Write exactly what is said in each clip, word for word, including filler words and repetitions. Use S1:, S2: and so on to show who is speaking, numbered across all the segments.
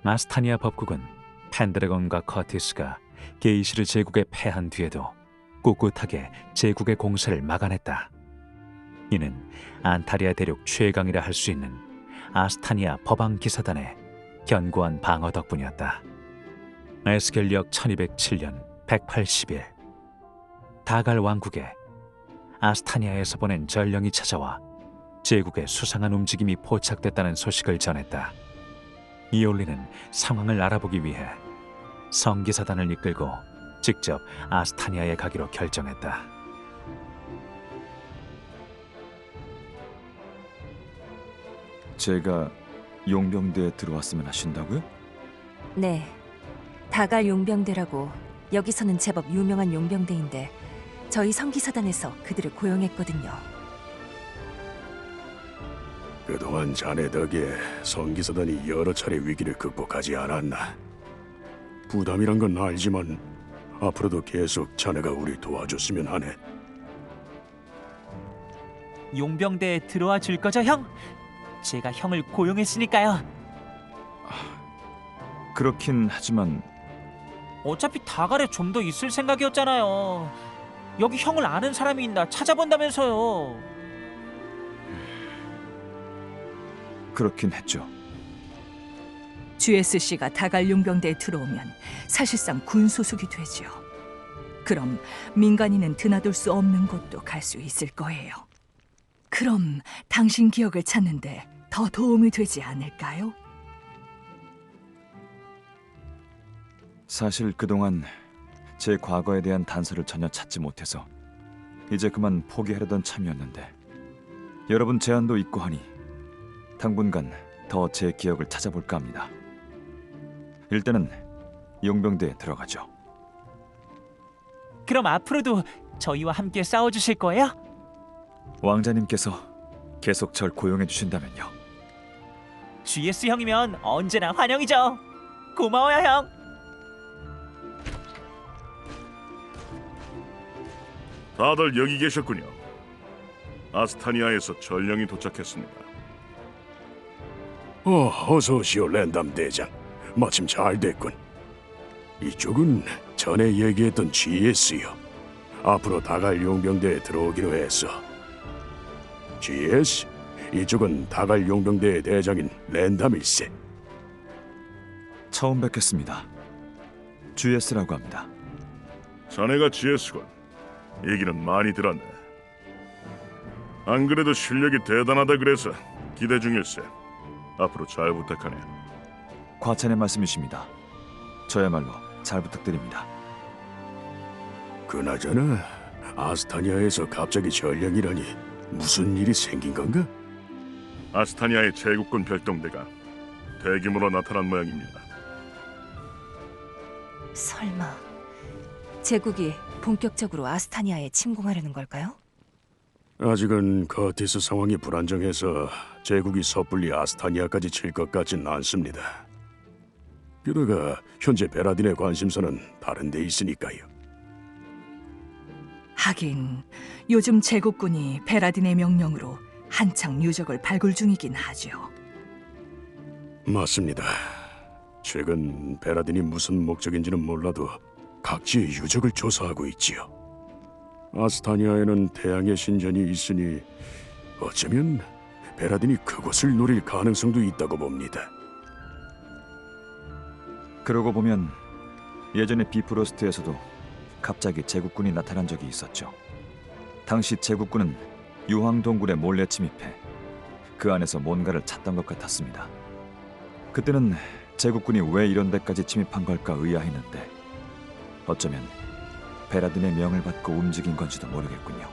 S1: 아스타니아 법국은 펜드래곤과 커티스가 게이시르 제국에 패한 뒤에도 꿋꿋하게 제국의 공세를 막아냈다. 이는 안타리아 대륙 최강이라 할 수 있는 아스타니아 법왕 기사단의 견고한 방어 덕분이었다. 에스겔력 천이백칠 년 백팔십 일, 다갈 왕국에 아스타니아에서 보낸 전령이 찾아와 제국의 수상한 움직임이 포착됐다는 소식을 전했다. 이올리는 상황을 알아보기 위해 성기사단을 이끌고 직접 아스타니아에 가기로 결정했다.
S2: 제가 용병대에 들어왔으면 하신다고요?
S3: 네, 다갈 용병대라고 여기서는 제법 유명한 용병대인데 저희 성기사단에서 그들을 고용했거든요.
S4: 그동안 자네 덕에 성기사단이 여러 차례 위기를 극복하지 않았나. 부담이란 건 알지만 앞으로도 계속 자네가 우리 도와줬으면 하네.
S5: 용병대에 들어와 줄 거죠, 형? 제가 형을 고용했으니까요.
S2: 그렇긴 하지만
S5: 어차피 다갈에 좀 더 있을 생각이었잖아요. 여기 형을 아는 사람이 있나 찾아본다면서요.
S2: 그렇긴 했죠.
S6: 지에스씨가 다갈 용병대에 들어오면 사실상 군소속이 되죠. 그럼 민간인은 드나들 수 없는 곳도 갈 수 있을 거예요. 그럼 당신 기억을 찾는데 더 도움이 되지 않을까요?
S2: 사실 그동안 제 과거에 대한 단서를 전혀 찾지 못해서 이제 그만 포기하려던 참이었는데 여러분 제안도 있고 하니 당분간 더 제 기억을 찾아볼까 합니다. 일단은 용병대에 들어가죠.
S5: 그럼 앞으로도 저희와 함께 싸워주실 거예요?
S2: 왕자님께서 계속 절 고용해 주신다면요.
S5: 지에스 형이면 언제나 환영이죠. 고마워요, 형.
S7: 다들 여기 계셨군요. 아스타니아에서 전령이 도착했습니다.
S4: 어, 어서 오시오 랜담 대장. 마침 잘 됐군. 이쪽은 전에 얘기했던 지에스요. 앞으로 다갈 용병대에 들어오기로 했어. 지에스, 이쪽은 다갈 용병대의 대장인 랜담일세.
S2: 처음 뵙겠습니다. 지에스라고 합니다.
S7: 자네가 지에스군. 얘기는 많이 들었네. 안 그래도 실력이 대단하다 그래서 기대 중일세. 앞으로 잘 부탁하네.
S2: 과찬의 말씀이십니다. 저야말로 잘 부탁드립니다.
S4: 그나저나 아스타니아에서 갑자기 전령이라니 무슨 일이 생긴 건가?
S7: 아스타니아의 제국군 별동대가 대규모로 나타난 모양입니다.
S3: 설마 제국이 본격적으로 아스타니아에 침공하려는 걸까요?
S4: 아직은 커티스 상황이 불안정해서 제국이 섣불리 아스타니아까지 칠 것 같진 않습니다. 게다가 현재 베라딘의 관심사는 다른 데 있으니까요.
S6: 하긴 요즘 제국군이 베라딘의 명령으로 한창 유적을 발굴 중이긴 하죠.
S4: 맞습니다. 최근 베라딘이 무슨 목적인지는 몰라도 각지의 유적을 조사하고 있지요. 아스타니아에는 태양의 신전이 있으니 어쩌면 베라딘이 그곳을 노릴 가능성도 있다고 봅니다.
S2: 그러고 보면 예전에 비프로스트에서도 갑자기 제국군이 나타난 적이 있었죠. 당시 제국군은 유황동굴에 몰래 침입해 그 안에서 뭔가를 찾던 것 같았습니다. 그때는 제국군이 왜 이런 데까지 침입한 걸까 의아했는데 어쩌면 베라딘의 명을 받고 움직인 건지도 모르겠군요.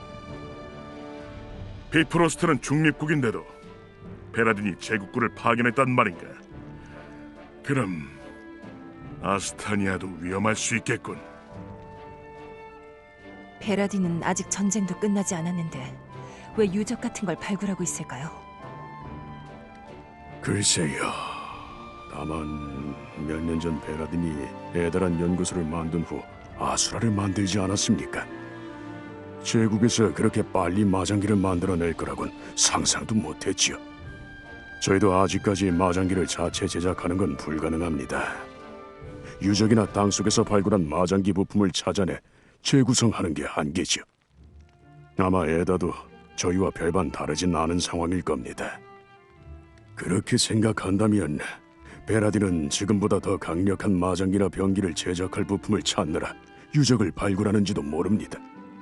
S7: 비프로스트는 중립국인데도 베라딘이 제국군을 파견했단 말인가? 그럼 아스타니아도 위험할 수 있겠군.
S3: 베라딘은 아직 전쟁도 끝나지 않았는데 왜 유적 같은 걸 발굴하고 있을까요?
S4: 글쎄요. 다만 몇 년 전 베라딘이 대단한 연구소를 만든 후 아수라를 만들지 않았습니까? 제국에서 그렇게 빨리 마장기를 만들어낼 거라곤 상상도 못했지요. 저희도 아직까지 마장기를 자체 제작하는 건 불가능합니다. 유적이나 땅 속에서 발굴한 마장기 부품을 찾아내 재구성하는 게 한계죠. 아마 에다도 저희와 별반 다르진 않은 상황일 겁니다. 그렇게 생각한다면 베라딘은 지금보다 더 강력한 마장기나 병기를 제작할 부품을 찾느라 유적을 발굴하는지도 모릅니다.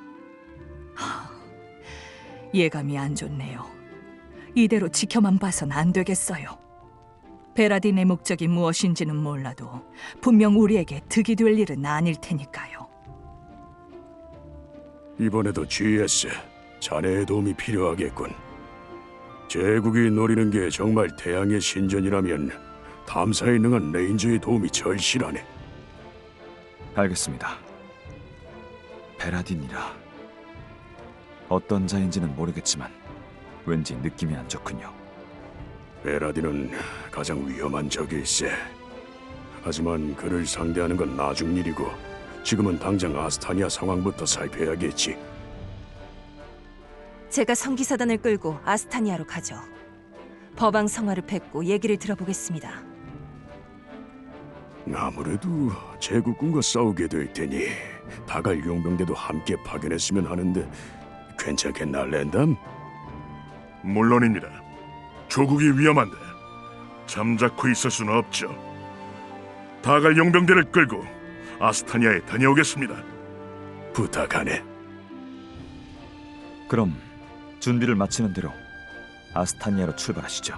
S6: 예감이 안 좋네요. 이대로 지켜만 봐선 안 되겠어요. 베라딘의 목적이 무엇인지는 몰라도 분명 우리에게 득이 될 일은 아닐 테니까요.
S4: 이번에도 지에스, 자네의 도움이 필요하겠군. 제국이 노리는 게 정말 태양의 신전이라면 탐사에 능한 레인저의 도움이 절실하네.
S2: 알겠습니다. 베라딘이라 어떤 자인지는 모르겠지만 왠지 느낌이 안 좋군요.
S4: 베라딘은 가장 위험한 적일세. 하지만 그를 상대하는 건 나중 일이고 지금은 당장 아스타니아 상황부터 살펴야겠지.
S3: 제가 성기사단을 끌고 아스타니아로 가죠. 법왕 성화를 뵙고 얘기를 들어보겠습니다.
S4: 아무래도 제국군과 싸우게 될 테니 다갈 용병대도 함께 파견했으면 하는데 괜찮겠나, 랜담?
S7: 물론입니다. 조국이 위험한데 잠자코 있을 수는 없죠. 다갈 용병대를 끌고 아스타니아에 다녀오겠습니다.
S4: 부탁하네.
S2: 그럼 준비를 마치는 대로 아스타니아로 출발하시죠.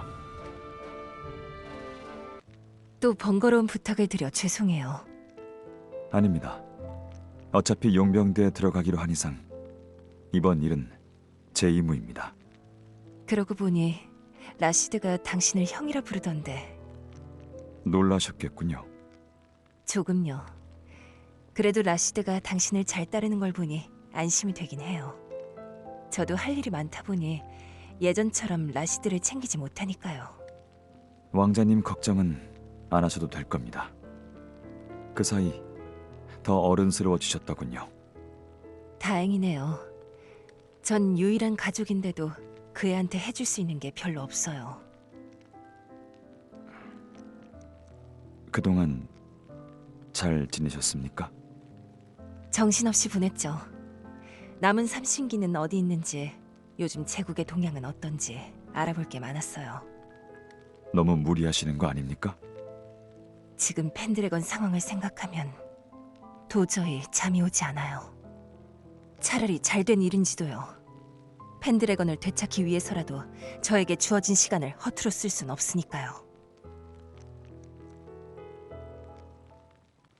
S3: 또 번거로운 부탁을 드려 죄송해요.
S2: 아닙니다. 어차피 용병대에 들어가기로 한 이상 이번 일은 제 임무입니다.
S3: 그러고 보니 라시드가 당신을 형이라 부르던데.
S2: 놀라셨겠군요.
S3: 조금요. 그래도 라시드가 당신을 잘 따르는 걸 보니 안심이 되긴 해요. 저도 할 일이 많다 보니 예전처럼 라시드를 챙기지 못하니까요.
S2: 왕자님 걱정은 안 하셔도 될 겁니다. 그 사이 더 어른스러워지셨더군요.
S3: 다행이네요. 전 유일한 가족인데도 그 애한테 해줄 수 있는 게 별로 없어요.
S2: 그동안 잘 지내셨습니까?
S3: 정신없이 보냈죠. 남은 삼신기는 어디 있는지, 요즘 제국의 동향은 어떤지 알아볼 게 많았어요.
S2: 너무 무리하시는 거 아닙니까?
S3: 지금 펜드래건 상황을 생각하면 도저히 잠이 오지 않아요. 차라리 잘된 일인지도요. 펜드래건을 되찾기 위해서라도 저에게 주어진 시간을 허투루 쓸 순 없으니까요.